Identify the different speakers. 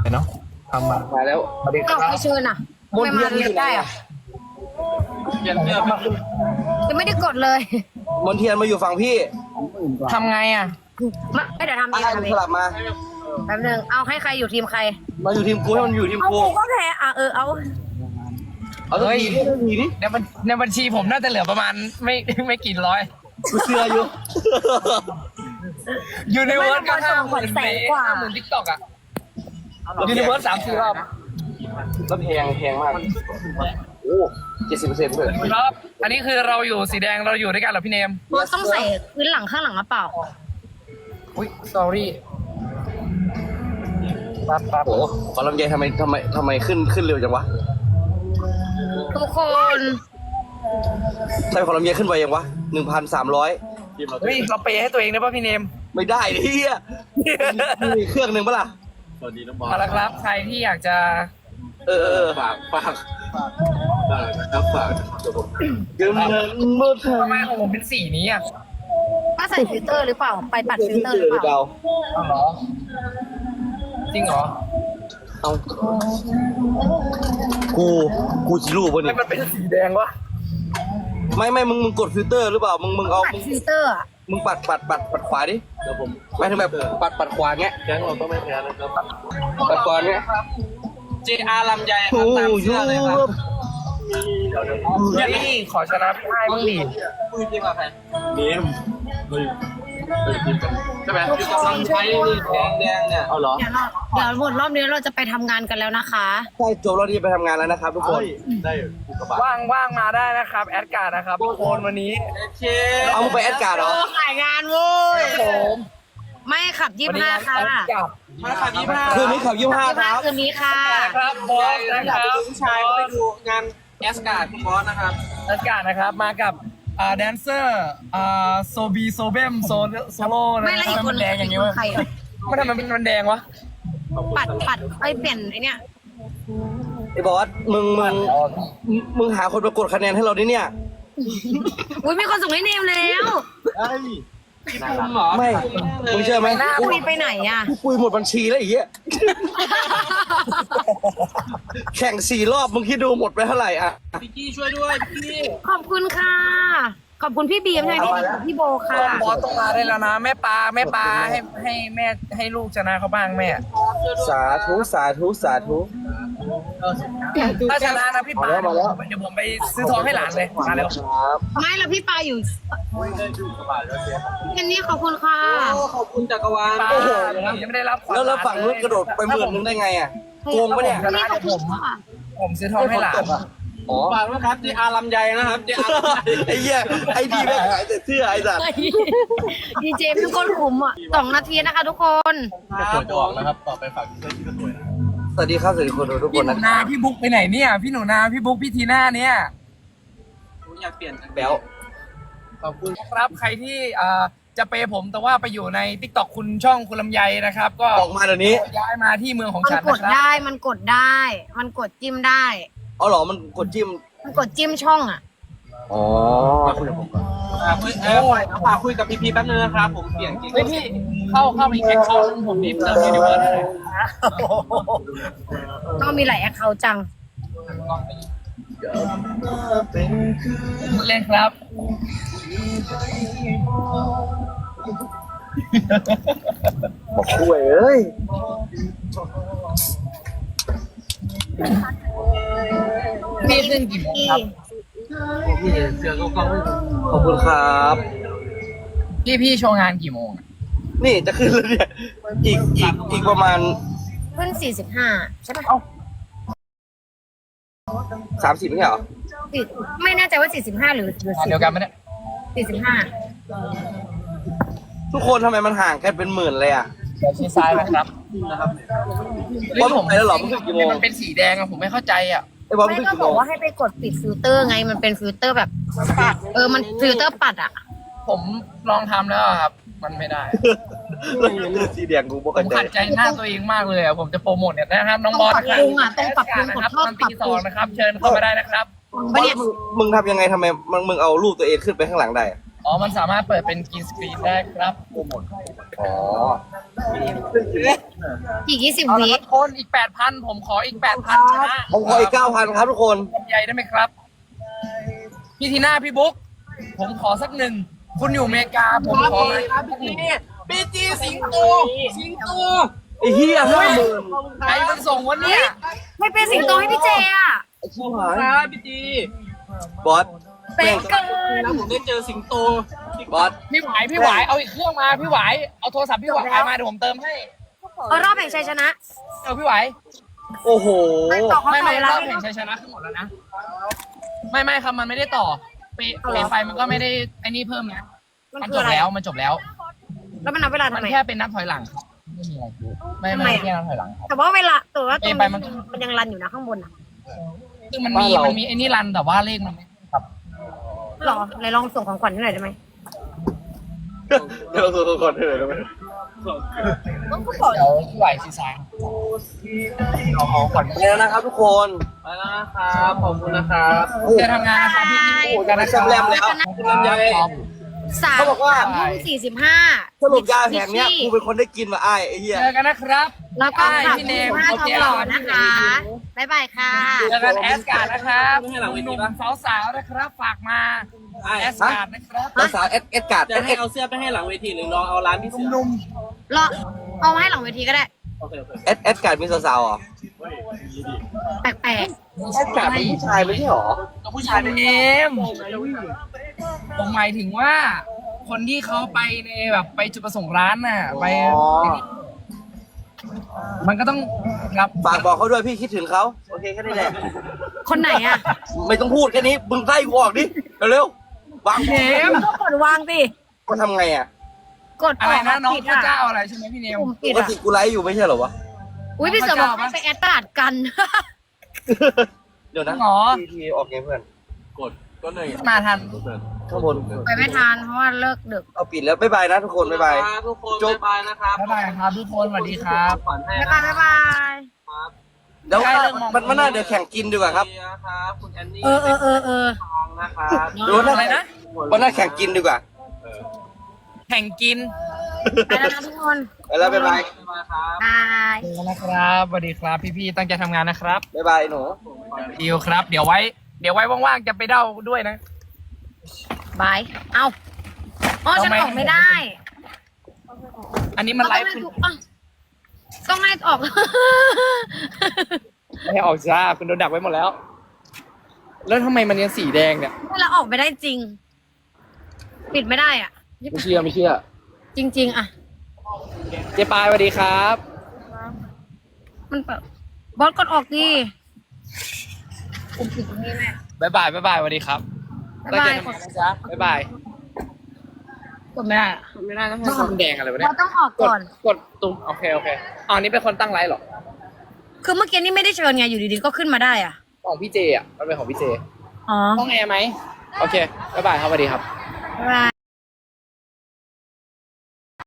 Speaker 1: เนาะทำมา
Speaker 2: มาแล้ว
Speaker 1: สวัสดีค
Speaker 3: ก็
Speaker 1: รับ
Speaker 3: ไม่เชิญอ่ะ
Speaker 2: มน
Speaker 3: ไม่
Speaker 2: เทีย
Speaker 3: มาน เรียนได้อ่ะ
Speaker 2: เทียนเทียน
Speaker 3: ยังไม่ได้กดเลย
Speaker 2: มนเทียนมาอยู่ฝั่งพี่
Speaker 1: ทำไงอ่ะ
Speaker 3: ไม่เดี๋ยวทำเอง
Speaker 2: ให้
Speaker 3: ทำ
Speaker 2: มัน
Speaker 3: เอ
Speaker 2: ส
Speaker 3: ง
Speaker 2: ลับมา
Speaker 3: แป๊บนึงเอาให้ใครอยู่ทีมใคร
Speaker 2: มาอยู่ทีมกูให้มันอยู่ทีม
Speaker 3: เอา
Speaker 2: กู
Speaker 3: กูก็แพ้อ่ะเอา
Speaker 2: เอาสักทีดิสักทีดิ
Speaker 1: ในบัญชีผมน่าจะเหลือประมาณไม่กี่ร้อย
Speaker 2: กูเชื่ออยู่
Speaker 1: ยูนิเวิร์สก็
Speaker 3: 50,000
Speaker 1: 50,000ทิกตอกอ่ะยูนิเวิร์ส3-4 รอบ
Speaker 2: แล้วแพงมากโอ้70%เลย
Speaker 1: ครับ อันนี้คือเราอยู่สีแดงเราอยู่ด้วยกันเหรอพี่เนม
Speaker 3: เราต้องใส่พื้นหลังข้างหลังหรือเปล่า
Speaker 1: อุ้ย sorry ปั๊บ
Speaker 2: โอ้ขอลำไยทำไมขึ้นเร็วจังวะ
Speaker 3: ทุกคน
Speaker 2: ทำไมขอลำไยขึ้นไวยังวะ 1,300
Speaker 1: เฮ้ยเราเปย์ให้ตัวเองได้ป่ะพี่เนม
Speaker 2: ไม่ได้ดิเฮียมีเครื่องหนึ่งปะล่ะ
Speaker 1: เอาละครับ ใครที่อยากจะ
Speaker 2: ฝากเงินหมด
Speaker 1: ทำไมของผมเป็นสีนี้อ่ะ
Speaker 3: ถ้าใส่ฟิลเตอร์หรือเปล่า ไปปัดฟิลเตอร์หรือเปล่า
Speaker 1: เอาเหรอ จริงเหรอ
Speaker 2: เอากูจิรูปวะ
Speaker 1: ไม่
Speaker 2: เนี่ย
Speaker 1: มันเป็นสีแดงวะ
Speaker 2: ไม่มึงกดฟิลเตอร์หรือเปล่ามึงเอา
Speaker 3: ปัดฟิลเตอร์อ่ะ
Speaker 2: มึงปัดขวาดิเดี๋ยวผมไม่ถึงแบบปัดขวาเงี้ยแก๊งเราต้องไม่แพ้นะครับปัดขวาเงี้ย
Speaker 1: JR ลำไยค
Speaker 2: โอ้
Speaker 1: รับตาม
Speaker 2: ย
Speaker 1: เชื่อเลยครับนี่ขอชนะพี่ไอ้บ้างดิ
Speaker 2: คุยจริงกับใคร
Speaker 4: เนมใช่ไหม
Speaker 3: ทุกคน
Speaker 2: ใช้นี่แดงเนี่ยเอาเหรอ
Speaker 3: เดี๋ยวหมดรอบนี้เราจะไปทำงานกันแล้วนะคะ
Speaker 2: ใช่จบแล้วที่ไปทำงานแล้วนะครับทุกคน
Speaker 4: ได้กูกระบะ
Speaker 1: ว่างมาได้นะครับ แอดการ์ดนะครับทุกคนวันนี้
Speaker 2: เอามึงไปแอดการ์ดเหรอ
Speaker 3: ขายงานเว้ย
Speaker 1: ผม
Speaker 3: ไม่ขับ
Speaker 1: วันนี้
Speaker 3: 25 ค่ะ
Speaker 1: แอดการ์ดมาขับ25
Speaker 2: คืนนี้ขับ25ครับ
Speaker 3: คืนนี้ค่ะ
Speaker 1: ครับบอสนะครับ
Speaker 2: ผู้ชายไปดูงานแอสการ์ดคุณบอสนะครับ
Speaker 1: แอดการ์ดนะครับมากับแดนเซอร์โซบีโซเบมโซโล่นะ
Speaker 3: ไม่ละอีกคน
Speaker 1: แดงอย่างงี้วะ
Speaker 3: ใครอ่ะ
Speaker 1: ไม่ทำไมมันแดงวะ
Speaker 3: ปัดไอ้เปลี่ยนไอ้เนี่ย
Speaker 2: ไอ้บอสมึงหาคนมากดคะแนนให้เราดิเนี่ย
Speaker 3: อุ้ยมีคนส่งให้เนมแล้ว
Speaker 2: ไม่มึงเชื่อไหม
Speaker 3: คุยไปไหนอ่ะ
Speaker 2: กูปุยหมดบัญชีแล้วไอ้เหี้ยแข่ง4 รอบมึงคิดดูหมดไปเท่าไหร่อะ
Speaker 3: ขอบคุณค่ะ ขอบคุณพี่บีมใช่ไหมพี่โบค่ะ
Speaker 1: บอสต้องมาได้แล้วนะแม่ปลาให้แม่ให้ลูกชนะเขาบ้างแม่
Speaker 2: สาธุ
Speaker 1: ถ้าชนะนะพี่ปา
Speaker 2: มาแล้ว
Speaker 1: เดี๋ยวผมไปซื้อทองให้หลานเลยมาเร็ว
Speaker 2: ครับ
Speaker 3: ไม่แล้วพี่ปาอยู่อันนี้ขอบคุณค่ะ
Speaker 2: ขอบคุณจักรวาล
Speaker 1: ปา
Speaker 2: โอ้โห
Speaker 1: ยังไม่ได้รับขญ
Speaker 2: แล้วฝั่งนู้นกระโดดไป10,000ได้ไงอะโกงปะเนี่ย
Speaker 3: นี่ขอบคุณค่ะ
Speaker 1: ผมซื้อทองให้หลาน
Speaker 2: อ๋อ
Speaker 4: ฝากด้วยครับที่อาลำไยนะครับที่อาลำไย
Speaker 2: ไอ้เหี้ยไอ้ดีแม่งขายแต่เสื้อไอ้สัตว์
Speaker 3: ดีเจพี่ก้นขุมอ่ะ2 นาทีนะคะทุกคน
Speaker 4: จะสวยจะออกนะครับ ต่อไปฝากเสื้อที่ก็สวยนะ
Speaker 2: สวัสดีครับสวัสดีคนดูทุกค
Speaker 1: พี่
Speaker 2: น
Speaker 1: หนู
Speaker 2: นะค
Speaker 1: นา
Speaker 2: รับ
Speaker 1: พี่บุ๊กไปไหนเนี่ยพี่หนูนาพี่บุ๊กพี่ทีน่าเนี่ย
Speaker 2: แบ๊ว
Speaker 4: ขอบคุณ
Speaker 1: ครับใครที่จะเปย์ผมแต่ว่าไปอยู่ใน TikTok คุณช่องคุณลำไยนะครับ ก็
Speaker 2: ออกมาเดี๋ยวนี้
Speaker 1: ย้ายมาที่เมืองของ
Speaker 3: มัน
Speaker 1: ฉัน
Speaker 3: กด
Speaker 1: นะครับ
Speaker 3: ได้ มันกดได้ มันกดจิ้มได้
Speaker 2: อ๋อเหรอมันกดจิ้ม
Speaker 3: มันกดจิ้มช่องอ่ะ
Speaker 2: อ๋อ
Speaker 4: มาคุยกับผมก่อน
Speaker 2: ฝากคุยกับพี่แป๊บนึงนะครับผมเปลี่ยนกิ๊ก
Speaker 1: เฮ้ยพี่เข้าไปแอคเคาท์ผมดิเติมยูนิเวิร์สเลย
Speaker 3: ก็มีหลายแอคเคาท์จัง
Speaker 1: พูดเล่นครับ
Speaker 2: บอกคุยเอ้ย
Speaker 1: พี่ขึ้นกี่โมงครับ
Speaker 2: พี่เสื้อก็ขอบคุณครับ
Speaker 1: พี่โชว์งานกี่โมงอะ
Speaker 2: นี่จะขึ้นแล้วเนี่ยอีกประมาณ
Speaker 3: ขึ้น45 ใช่ปะ
Speaker 2: 30ไม่ใช่เหรอ
Speaker 3: ไม่แน่ใจว่า 45 หรือง
Speaker 1: านเดียวกันไหมเนี่ย
Speaker 3: 45
Speaker 2: ทุกคนทำไมมันห่างกันเป็นหมื่นเลยอ่ะ
Speaker 1: เดี๋ยวชี้ซ้ายนะครับ
Speaker 2: บอสไปแล้วเหรอมันขึ้นกี่โมง
Speaker 1: มันเป็นสีแดงอะผมไม่เข้าใจอะ
Speaker 2: ไอ้บอส
Speaker 3: ไม่
Speaker 2: ขึ้น
Speaker 3: ก็
Speaker 2: กี่
Speaker 3: บ
Speaker 2: โม
Speaker 3: อก
Speaker 2: ง
Speaker 3: ว่าให้ไปกดปิดฟิลเตอร์ไง มันเป็นฟิลเตอร์แบบปัดมันฟิลเตอร์ปัดอ่ะ
Speaker 1: ผมลองทำแล้วอะครับ มันไม่ได้
Speaker 2: แล้วเลือดสีแดงกูบอก
Speaker 1: ผม
Speaker 2: ใจ
Speaker 1: ขัดใจหน้าตัวเองมากเลยอะผมจะโปรโมทเนี่ยนะครับ น้องบอสนะครับ
Speaker 3: ต้องปรับปรุงอะ
Speaker 1: นะครับ
Speaker 3: ต้อง
Speaker 1: ตอน
Speaker 3: ปรับ
Speaker 1: ตี
Speaker 3: ปรุง
Speaker 1: 2นะครับ เชิญเข้ามาได้นะครับ
Speaker 2: บอสมึงทำยังไงทำไมมึงเอารูปตัวเองขึ้นไปข้างหลังได้อะ
Speaker 1: ออ๋อมันสามารถเปิดเป็นกรีนสกรีนได้ครับ
Speaker 2: อ๋อ
Speaker 3: อีก20
Speaker 1: เอาละ
Speaker 3: วิ
Speaker 1: ครับคนอีก 8,000 ผมขออีก 8,000ชนะ
Speaker 2: ผมขออีก 9,000 ครับทุกคน
Speaker 1: ลำไยได้ไหมครับ พี่ทีน่าพี่บุ๊กผมขอสักหนึ่ง คุณอยู่อเมริกา ผมขอเลยครับพี่ที
Speaker 4: บีจีสิงโตสิงโต
Speaker 2: ไอ้เหี้ย50,000
Speaker 1: ใครมันส่งวันนี้
Speaker 3: ไม่เป็นสิงโตให้พี่เจอ่ะ
Speaker 2: ไอ้ชิบหาย
Speaker 4: ครับบีจี
Speaker 2: บอส
Speaker 3: เป็นเกิน
Speaker 4: แล้วผมได้เจอสิงโต
Speaker 2: บอส
Speaker 1: พี่หวายเอาอีกเครื่องมาพี่หวายเอาโทรศัพท์พี่หวายมาเดี๋ยวผมเติมให้
Speaker 3: รอบแห่งชัยชนะ
Speaker 1: เอาพี่หวาย
Speaker 2: โอ้โห
Speaker 3: ไม่ต่อเขา
Speaker 1: ไม่
Speaker 3: ต่อ
Speaker 1: ไม่
Speaker 3: เว
Speaker 1: ร
Speaker 3: ลา
Speaker 1: อบแห่งชัยชนะขึ้นหมดแล้วนะไม่ครับมันไม่ได้ต่อเปไฟมันก็ไม่ได้ไอ้นี่เพิ่มนะ
Speaker 3: มัน
Speaker 1: มัน
Speaker 3: คื
Speaker 1: จ
Speaker 3: อบ อะไร
Speaker 1: แล้วมันจบแล้ว
Speaker 3: แล้วมันนับเวลา
Speaker 1: มั
Speaker 3: ทำ
Speaker 1: น
Speaker 3: ไม
Speaker 1: แค่เป็นนับถอยหลังครับไม่มีอะไรไม่แค่นับถอยหลังครับ
Speaker 3: แต่ว่าเวลาตัวว่าตรง
Speaker 1: ไปมั
Speaker 3: นี้
Speaker 1: น
Speaker 3: มันยังรันอยู่นะข้างบนอ่ะ
Speaker 1: ซึ่งมันมีไอ้นี่รันแต่ว่าเลขมันไม่ครับ
Speaker 3: หรอไหนลองส่งของขวัญให้หน่อยได้ไหม
Speaker 2: เดี๋ยวก่อนเถอะได้ไหม
Speaker 3: ก็บอก
Speaker 1: เดี๋ยวพี่หวายซีซายเอาของขวัญ
Speaker 2: ไปแล้วนะครับทุกคน
Speaker 4: ไปแล้วนะครับขอบคุณนะครับ
Speaker 1: จะทำงานนะครับพี่พี่กันนะค
Speaker 2: แซมแรมแล้ว
Speaker 1: ลำไย
Speaker 2: เขาบอกว่า
Speaker 3: 3:45
Speaker 2: สรุปยาแผงเนี้ยกูเป็นคนได้กินมาไอ้เหี้ย
Speaker 1: เจอกันนะครับ
Speaker 3: แล้วก็ขับ
Speaker 1: พี่เนม
Speaker 3: 5ทองหล่อนะคะบ๊ายบายค่ะ
Speaker 1: เจอกันแอสการ์ดนะครับหนุ่มๆสาวๆนะครับฝากมาแอสการ์ดนะครับ
Speaker 2: ภาษาเอสการ์ด
Speaker 4: จะให้เอาเสื้อไปให้หลังเวทีหรือลองเอาร้านพี่เสือ
Speaker 1: หนุ่ม
Speaker 3: รอเอามาให้หลังเวทีก็ได้
Speaker 4: โอเคโอเค
Speaker 2: เอสการ์ดมีสาวๆเหรอ
Speaker 3: แปลก
Speaker 2: เอสการ์ดเป็นผู้ชายไม่ใช่เหรอ
Speaker 1: ๆผู้ชายเนมผมหมายถึงว่า คนที่เขาไปในแบบไปจุดประสงค์ร้านน่ะไป
Speaker 2: อ๋อ
Speaker 1: มันก็ต้องครับ
Speaker 2: ฝากบอกเขาด้วยพี่คิดถึงเขาโอเคแค่นี้แหละ
Speaker 3: ๆคนไหนอ่ะ
Speaker 2: ไม่ต้องพูดแค่นี้มึงไล่กูออกดิเร็วๆวาง
Speaker 1: พี่เนม
Speaker 3: ก็กดวางสิ
Speaker 2: ก็ทำไงอ่ะ
Speaker 3: กด
Speaker 1: อะไรนะน้อง
Speaker 3: ผิด
Speaker 1: พระ
Speaker 3: อ่ะ
Speaker 1: เจ้าอะไรใช่ไหมพี่เนม
Speaker 3: ปุ่มผิด
Speaker 2: ปก
Speaker 3: อ่ะ
Speaker 2: ติกูไลฟ์อยู่ไม่ใช่เหรอวะ
Speaker 3: อุ้ยพี่เสือบอกให้ไปแอดตลาดกัน
Speaker 2: เดี๋ยวนะ
Speaker 1: หรอ
Speaker 2: ทีออกไงเพื่อน
Speaker 4: กดก็เลย
Speaker 1: มาทัน
Speaker 2: ข้างบน
Speaker 3: ไปไม่ทันเพราะว่าเลิกดึก
Speaker 2: เอาปิดแล้วบ๊ายบายนะทุกคนบ๊ายบาย
Speaker 4: ทุกคนบ๊ายบายนะครับ
Speaker 1: บ๊ายบายครับทุกคนสวัสดีครับ
Speaker 4: ขวัญให้
Speaker 3: บ๊าย
Speaker 4: นะ
Speaker 3: บาย
Speaker 4: ครับ
Speaker 2: เดี๋ยว
Speaker 1: ใกล้เลิกมอง
Speaker 2: มันน่าเดี๋ยวแข่งกินดีกว่าครับ
Speaker 4: นะครับคุณแอนนี่
Speaker 3: เออ
Speaker 4: ทองนะครับ
Speaker 2: ดูนะ
Speaker 1: อะไรนะ
Speaker 2: วันหน้าแข่งกินดีกว่า
Speaker 1: แข่งกิน
Speaker 3: ไปแล้วนะทุกคน
Speaker 2: ไปแล้วบ๊ายบาย
Speaker 4: บ๊ายบายครับ
Speaker 3: บาย
Speaker 1: นะครับสวัสดีครับพี่ๆตั้งใจทำงานนะครับ
Speaker 2: บ๊ายบายหนู
Speaker 1: ดิวครับ เดี๋ยวไว้ว่างๆจะไปเด้าด้วยนะ
Speaker 3: บาย เอาอ๋อฉันออกไม่ได้
Speaker 1: อันนี้มันไลฟ์
Speaker 3: ต้องให้ออก
Speaker 1: ไม่ให้ออกจ้าคุณโดนดักไว้หมดแล้ว แล้วทำไมมันยังสีแดงเนี่ย
Speaker 3: ถ้าเราออกไม่ได้จริง ปิดไม่ได้อ่ะ
Speaker 1: ไม่เชื่อไม่เชื่อ
Speaker 3: จริง ๆ อ่ะ
Speaker 1: เจ๊ปายสวัสดีครับ
Speaker 3: มันเปิดบอสกดออกดิปุ่มปิดตรงนี้แม่
Speaker 1: บ๊ายบายสวัสดีครับ
Speaker 3: บ๊ายบาย
Speaker 1: ตั้งใจทำงานนะจ๊ะบ๊ายบาย
Speaker 3: กดไม่ได้อะ
Speaker 1: ไม่ได้ต้องมันแดงอะไรวะ
Speaker 3: เรา
Speaker 1: เนี่ย
Speaker 3: ต้องออกก่อน
Speaker 1: กดตุ้มโอเคอ๋อนี่เป็นคนตั้งไลฟ์เหรอ
Speaker 3: คือเมื่อกี้นี่ไม่ได้เชิญไงอยู่ดีๆก็ขึ้นมาได้อ่ะ
Speaker 1: ของพี่เจอ่ะมันเป็นของพี่เจ
Speaker 3: อ๋อ
Speaker 1: ห้องแอร์ไหมโอเคบ๊ายบายครับสวัสดีครับ
Speaker 3: บ๊ายบาย